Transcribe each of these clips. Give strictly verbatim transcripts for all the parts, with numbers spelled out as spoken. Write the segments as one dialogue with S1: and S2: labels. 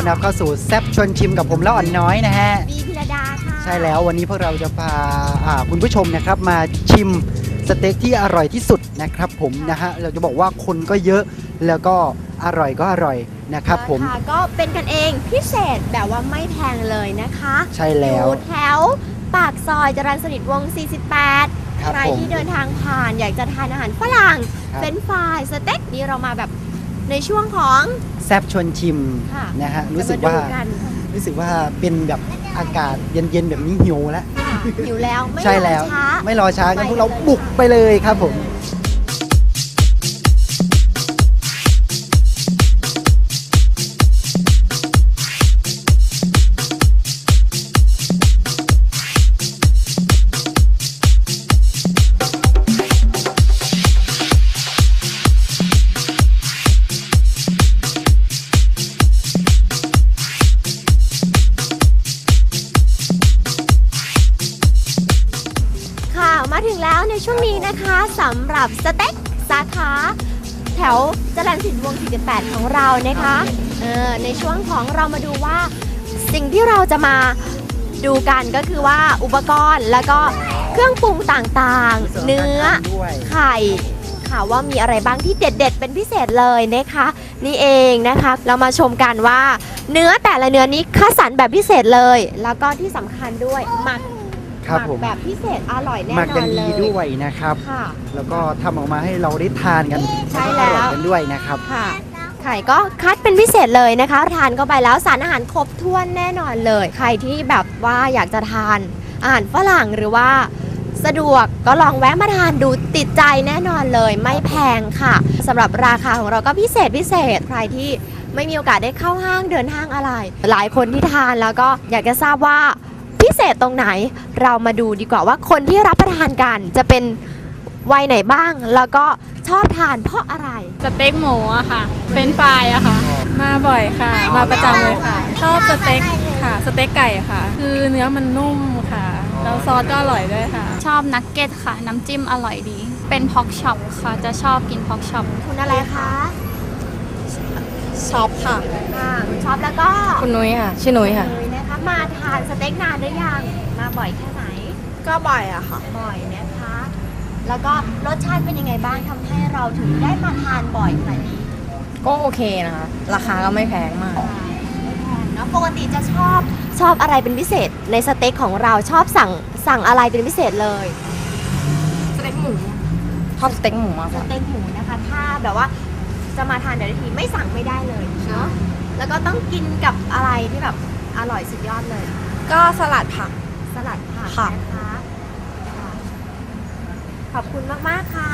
S1: อนรับเข้าสู่แซบชวนชิมกับผมแล้วอ่อนน้อยนะฮะ
S2: บีพิรดาค่ะ
S1: ใช่แล้ววันนี้พวกเราจะพาคุณผู้ชมนะครับมาชิมสเต็กที่อร่อยที่สุดนะครับผมนะฮะเราจะบอกว่าคนก็เยอะแล้วก็อร่อยก็อร่อยนะครับผม
S2: ก็เป็นกันเองพิเศษแบบว่าไม่แพงเลยนะคะ
S1: ใช่แล้ว
S2: อยู่แถวปากซอยจรัญสนิทวงศ์สี่สิบแปดใครที่เดินทางผ่านอยากจะทานอาหารฝรั่งเป็นฟรายสเต็กนี่เรามาแบบในช่วงของ
S1: แซบชวนชิมนะฮะรู้สึกว่ารู้สึกว่าเป็นแบบอากาศเย็นๆแบบนี้หิวแล้ว
S2: หิวแล้ว
S1: ใช่แล้วไม่รอช้ากันพวกเราบุกไปเลยครับผม
S2: มาถึงแล้วในช่วงนี้นะคะสำหรับสเต็กสาขาแถวจรัญสนิทวงศ์สี่สิบแปดของเรานะคะเออในช่วงของเรามาดูว่าสิ่งที่เราจะมาดูกันก็คือว่าอุปกรณ์แล้วก็เครื่องปรุงต่างๆเนื้อไข่ค่ะว่ามีอะไรบ้างที่เด็ดๆเป็นพิเศษเลยนะคะนี่เองนะคะเรามาชมกันว่าเนื้อแต่ละเนื้อนี้คัดสรรแบบพิเศษเลยแล้วก็ที่สำคัญด้วยหมักหมักแบบพิเศษอร่อยแน่นอนเลยหมักกันดี
S1: ด้วยนะครับแล้วก็ทำออกมาให้เราได้ทานกัน
S2: ใช่แล้ว
S1: กันด้วยนะครับ
S2: ค่ะไข่ก็คัดเป็นพิเศษเลยนะคะทานเข้าไปแล้วสารอาหารครบถ้วนแน่นอนเลยใครที่แบบว่าอยากจะทานอาหารฝรั่งหรือว่าสะดวกก็ลองแวะมาทานดูติดใจแน่นอนเลยไม่แพงค่ะสำหรับราคาของเราก็พิเศษพิเศษใครที่ไม่มีโอกาสได้เข้าห้างเดินห้างอะไรหลายคนที่ทานแล้วก็อยากจะทราบว่าพิเศษตรงไหนเรามาดูดีกว่าว่าคนที่รับประทานกันจะเป็นวัยไหนบ้างแล้วก็ชอบทานเพราะอะไร
S3: สเต็กหมูอะค่ะเป็นฟรายอะค่ะมาบ่อยค่ะมาประจำเลยค่ะชอบสเต็กค่ะสเต็กไก่ค่ะคือเนื้อมันนุ่มค่ะแล้วซอสก็อร่อยด้วยค่ะ
S4: ชอบนักเก็ตค่ะน้ำจิ้มอร่อยดีเป็นพ็อกช็อปค่ะจะชอบกินพ็อกช็อป
S2: คุณอะไรคะ
S3: ช็อปค่ะ
S2: ค่ะคุณช็อปแล้วก็
S3: คุณนุ้ยค่ะชื่อนุ้ยค่ะ
S2: นะคะมาทานสเต็กนานหรือยังมาบ่อยแค่ไหน
S3: ก็บ่อยอะค่ะ
S2: บ่อยนะคะแล้วก็รสชาติเป็นยังไงบ้างทำให้เราถึงได้มาทานบ่อยขนาดนี้
S3: ก็โอเคนะคะราคาก็ไม่แพงมาก
S2: ไม่แพงนะปกติจะชอบชอบอะไรเป็นพิเศษในสเต็กของเราชอบสั่งสั่งอะไรเป็นพิเศษเลย
S3: สเต็กหมูชอบสเต็กหมูมาก
S2: สเต็กหมูนะคะถ้าแบบว่าจะมาทานแต่ละทีไม่สั่งไม่ได้เลยเนาะแล้วก็ต้องกินกับอะไรที่แบบอร่อยสุดยอดเลย
S3: ก็สลัดผัก
S2: สลัดผักนะคะขอบคุณมากๆค่ะ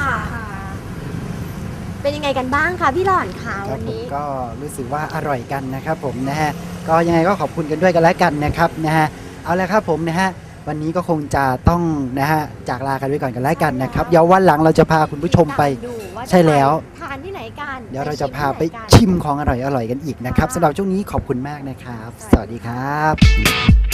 S2: เป็นยังไงกันบ้างคะพี่หล่อนคะวันนี้
S1: ก็รู้สึกว่าอร่อยกันนะครับผมนะฮะก็ยังไงก็ขอบคุณกันด้วยกันแล้วกันนะครับนะฮะเอาละครับผมนะฮะวันนี้ก็คงจะต้องนะฮะจากลากันไว้ก่อนกันแล้วกันนะครับเดี๋ยววันหลังเราจะพาคุณผู้ชมไปใช่แล้ว
S2: ทานที่ไหนกัน
S1: เดี๋ยวเราจะพาไปชิมของอร่อยๆกันอีกนะครับสำหรับช่วงนี้ขอบคุณมากนะครับสวัสดีครับ